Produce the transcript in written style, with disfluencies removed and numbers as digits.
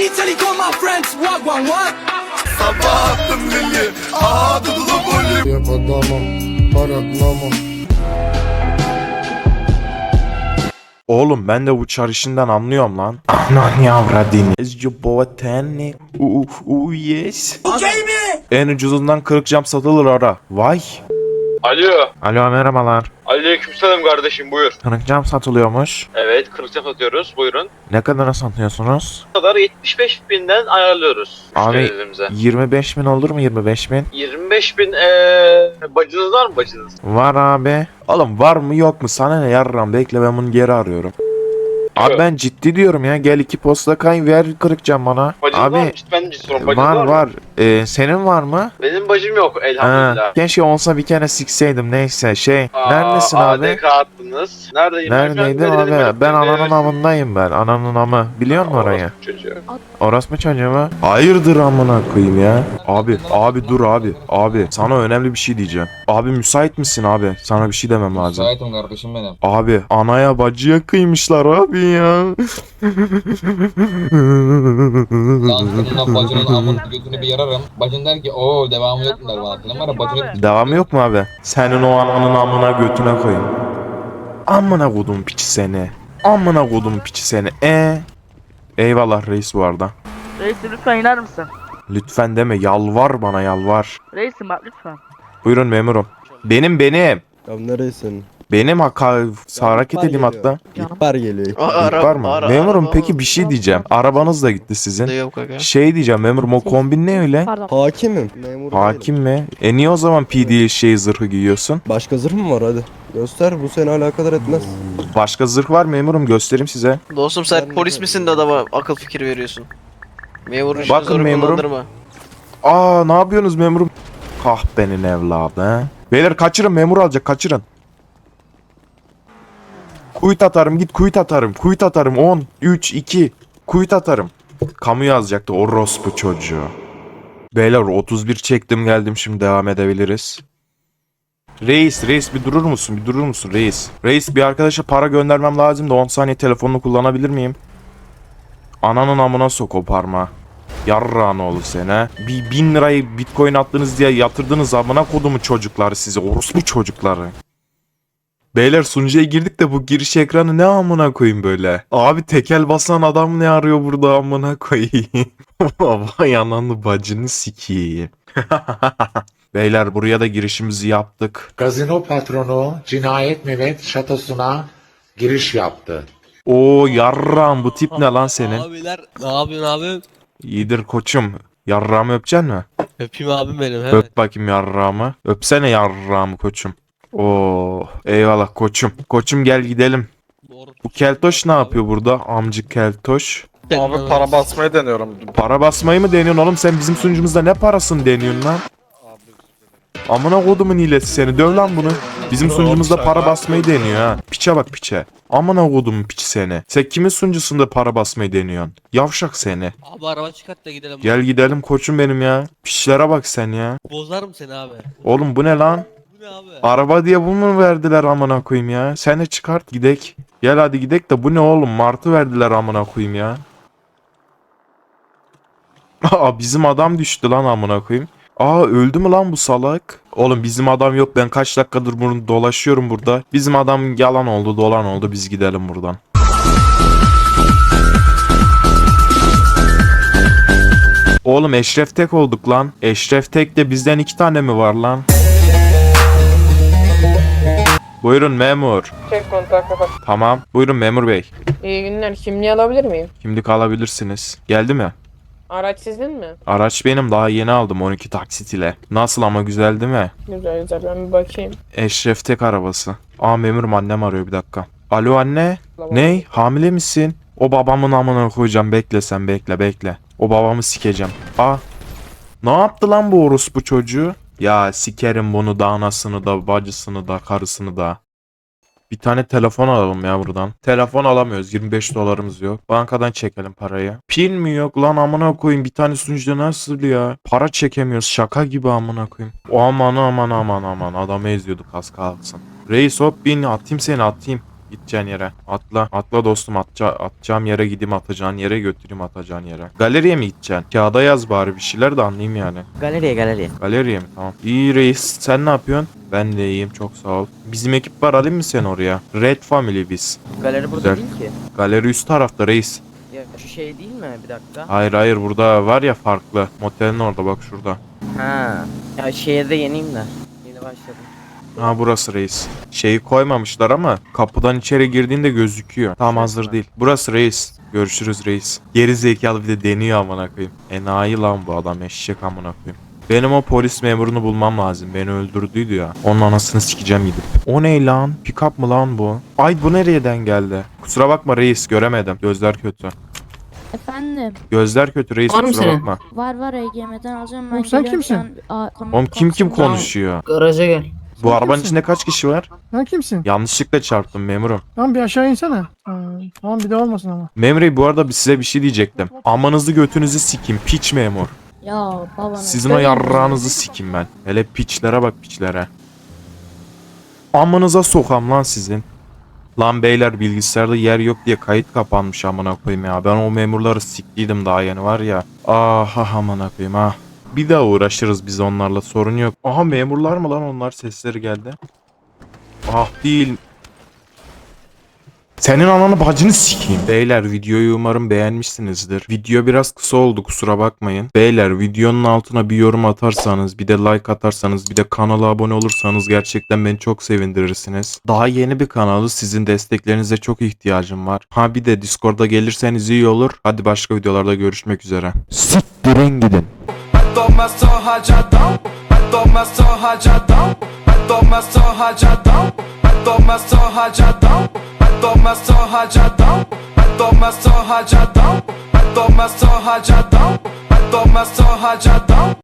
Italy call my friends, what? Sabah attım lili, aha dudulu bolli. Yap adamı, paratlama. Oğlum ben de bu çarışından anlıyorum lan. Anan yavradini. Ezcu boğateni. Yes. Okay mi? En ucuzundan 40 cam satılır ara. Vay. Alo. Alo merhabalar. Aleykümselam kardeşim, buyur. 40 cam satılıyormuş. Evet, 40 satıyoruz, buyurun. Ne kadara satıyorsunuz? Bu kadar 75 binden ayarlıyoruz Abi müşterilerimize. 25 bin olur mu 25 bin? 25 bin bacınız var mı bacınız? Var abi. Oğlum var mı yok mu sana ne yarram, bekle ben bunu geri arıyorum. Abi Evet. ben ciddi diyorum ya, gel 2 posta kay ver 40 cam bana. Bacınız var mı? Abi Ben ciddi sorum, bacınız var mı? var. Senin var mı? Benim bacım yok Ha, elhamdülillah. keşke olsa bir kere sikseydim, neyse neredesin abi? ADK attınız. Neredeyim? Neredeydim Ben abi? dedim, Ben ananın evet. amındayım ben. Ananın amı. Biliyor musun orayı? Orospu çocuğu. Orası mı çocuğu mu? Hayırdır amına koyayım ya. Abi dur abi. Abi sana önemli bir şey diyeceğim. Abi müsait misin abi? Sana bir şey demem lazım. Müsaitim kardeşim benim. Abi anaya bacıya kıymışlar abi ya. Lan bununla bacının amın götünü bir yararım. Bacın der ki ooo devamı yok mu der bana. Senin var ya bacını Devamı yok mu abi? Senin o ananın amına götüne koyayım. Amına kodum piçi seni. Amına kodum piçi seni. Eyvallah reis bu arada. Reisim lütfen iner misin? Lütfen deme, yalvar bana yalvar. Reisim bak lütfen. Buyurun memurum. Benim. Ya neresin? Benim hareket edeyim geliyor. hatta. İhbar geliyor. Var mı? Memurum peki bir şey diyeceğim. Arabanız da gitti sizin. Şey diyeceğim memurum, o kombin ne öyle? Hakimim. Memur Hakim değilim. mi? Niye o zaman PD zırhı giyiyorsun? Başka zırh mı var hadi. Göster, bu seni alakadar etmez. Başka zırh var memurum, göstereyim size. Dostum sen Ben polis de- misin de adama akıl fikir veriyorsun? Memurun işini Bakın zoru memurum. kullandırma. Ne yapıyorsunuz memurum? Kahpenin evladı he. Beyler kaçırın, memur alacak, kaçırın. Kuyut atarım, git kuyut atarım. Kuyut atarım 10, 3, 2. Kuyut atarım. Kamu yazacaktı orospu çocuğu. Beyler 31 çektim geldim, şimdi devam edebiliriz. Reis bir durur musun reis? Reis bir arkadaşa para göndermem lazım da 10 saniye telefonunu kullanabilir miyim? Ananın amına sok o parmağı. Yarrağın oğlu sene. Bir 1000 lirayı bitcoin attınız diye yatırdınız amına kodumu çocukları size, orospu çocukları. Beyler sunucuya girdik de bu giriş ekranı ne amına koyayım böyle? Abi tekel basan adam ne arıyor burada amına koyayım? Vay ananı bacını sikiyim. Beyler buraya da girişimizi yaptık. Gazino patronu Cinayet Mehmet şatosuna giriş yaptı. Oo yarrağım, bu tip ne lan senin? Abiler ne yapıyorsun abi? İyidir koçum. Yarrağımı öpeceksin mi? Öpeyim abim benim hemen. Öp bakayım yarrağımı. Öpsene yarrağımı koçum. Oo eyvallah koçum. Koçum gel gidelim. Bu keltoş ne yapıyor burada? Amcık keltoş. Abi para basmayı deniyorum. Para basmayı mı deniyorsun oğlum? Sen bizim sunucumuzda ne parasını deniyorsun lan? Amına kodumun hilesi seni. Döv lan bunu. Bizim sunucumuzda para basmayı deniyor ha. Piçe bak piçe. Amına kodumun piçi seni. Sen kimin sunucusunda para basmayı deniyorsun? Yavşak seni. Abi araba çıkart da gidelim. Gel gidelim koçum benim ya. Piçlere bak sen ya. Bozarım seni abi. Oğlum bu ne lan? Bu ne abi? Araba diye bu mu verdiler amına koyayım ya? Sen de çıkart gidek. Gel hadi gidek de bu ne oğlum? Martı verdiler amına koyayım ya. Bizim adam düştü lan amına koyayım. Öldü mü lan bu salak? Oğlum bizim adam yok, ben kaç dakikadır bunu dolaşıyorum burada. Bizim adam yalan oldu, dolan oldu, biz gidelim buradan. Oğlum Eşref Tek olduk lan. Eşref Tek de bizden 2 tane mi var lan? Buyurun memur. Çek kontak kapat. Tamam. Buyurun memur bey. İyi günler. Kimliği alabilir miyim? Kimlik alabilirsiniz. Geldi mi? Araç sizin mi? Araç benim, daha yeni aldım 12 taksit ile. Nasıl ama, güzel değil mi? Güzel güzel, ben bir bakayım. Eşref Tek arabası. Memurum, annem arıyor, bir dakika. Alo anne. Tamam. Ney? Hamile misin? O babamın amına koyacağım, bekle sen, bekle. O babamı sikeceğim. Ne yaptı lan bu orospu çocuğu? Ya sikerim bunu da, anasını da, bacısını da, karısını da. Bir tane telefon alalım ya buradan. Telefon alamıyoruz. 25 dolarımız yok. Bankadan çekelim parayı. Pin mi yok lan amına koyayım. Bir tane sunucuda nasıl ya? Para çekemiyoruz. Şaka gibi amına koyayım. Aman. Adamı eziyorduk az kalsın. Reis hop bin, atayım seni. Gideceğin yere. Atla. Atla dostum. Atacağım yere gideyim, atacağın yere götüreyim, atacağın yere. Galeriye mi gideceksin? Kağıda yaz bari bir şeyler de anlayayım yani. Galeriye. Galeriye mi? Tamam. İyi reis. Sen ne yapıyorsun? Ben de iyiyim. Çok sağ ol. Bizim ekip var. Alayım mı sen oraya? Red Family biz. Galeri burada Güzel. değil ki. Galeri üst tarafta reis. Ya şu şey değil mi? Bir dakika. Hayır burada var ya farklı. Motelin orada bak şurada. Ha. Ya şehirde yeniyim de. Yeni başladım. Ha burası reis. Şeyi koymamışlar ama kapıdan içeri girdiğinde gözüküyor. Tam hazır değil. Burası reis. Görüşürüz reis. Geri zekalı bir de deniyor amına koyayım. Enayi lan bu adam, eşek amına koyayım. Benim o polis memurunu bulmam lazım. Beni öldürdüydü ya. Onun anasını sikeceğim gidip. O ne lan? Pick-up mı lan bu? Ay bu nereden geldi? Kusura bakma reis, göremedim. Gözler kötü. Efendim, Gözler kötü reis, Var mı kusura senin? bakma. var EGM'den alacağım ben. Oğlum sen geliyorum kimsin? şu an. Oğlum kim konuşuyor? Garaja gel. Bu arabanın kimsin? içinde kaç kişi var? Sen kimsin? Yanlışlıkla çarptım memurum. Tamam bir aşağı insene. Tamam bir de olmasın ama. Memur bu arada size bir şey diyecektim. Amanızı götünüzü sikim piç memur. Ya babanın. Sizin o yarrağınızı sikim ben. Hele piçlere bak, piçlere. Amınıza sokam lan sizin. Lan beyler, bilgisayarda yer yok diye kayıt kapanmış amına koyayım ya. Ben o memurları siktiydim daha yeni var ya. Ah amına koyayım ah. Bir daha uğraşırız biz onlarla, sorun yok. Aha memurlar mı lan onlar, sesleri geldi. Ah değil. Senin ananı bacını sikeyim. Beyler videoyu umarım beğenmişsinizdir. Video biraz kısa oldu, kusura bakmayın. Beyler videonun altına bir yorum atarsanız, bir de like atarsanız, bir de kanala abone olursanız gerçekten beni çok sevindirirsiniz. Daha yeni bir kanalı, sizin desteklerinize çok ihtiyacım var. Ha bir de Discord'a gelirseniz iyi olur. Hadi başka videolarda görüşmek üzere. Siktirin gidin.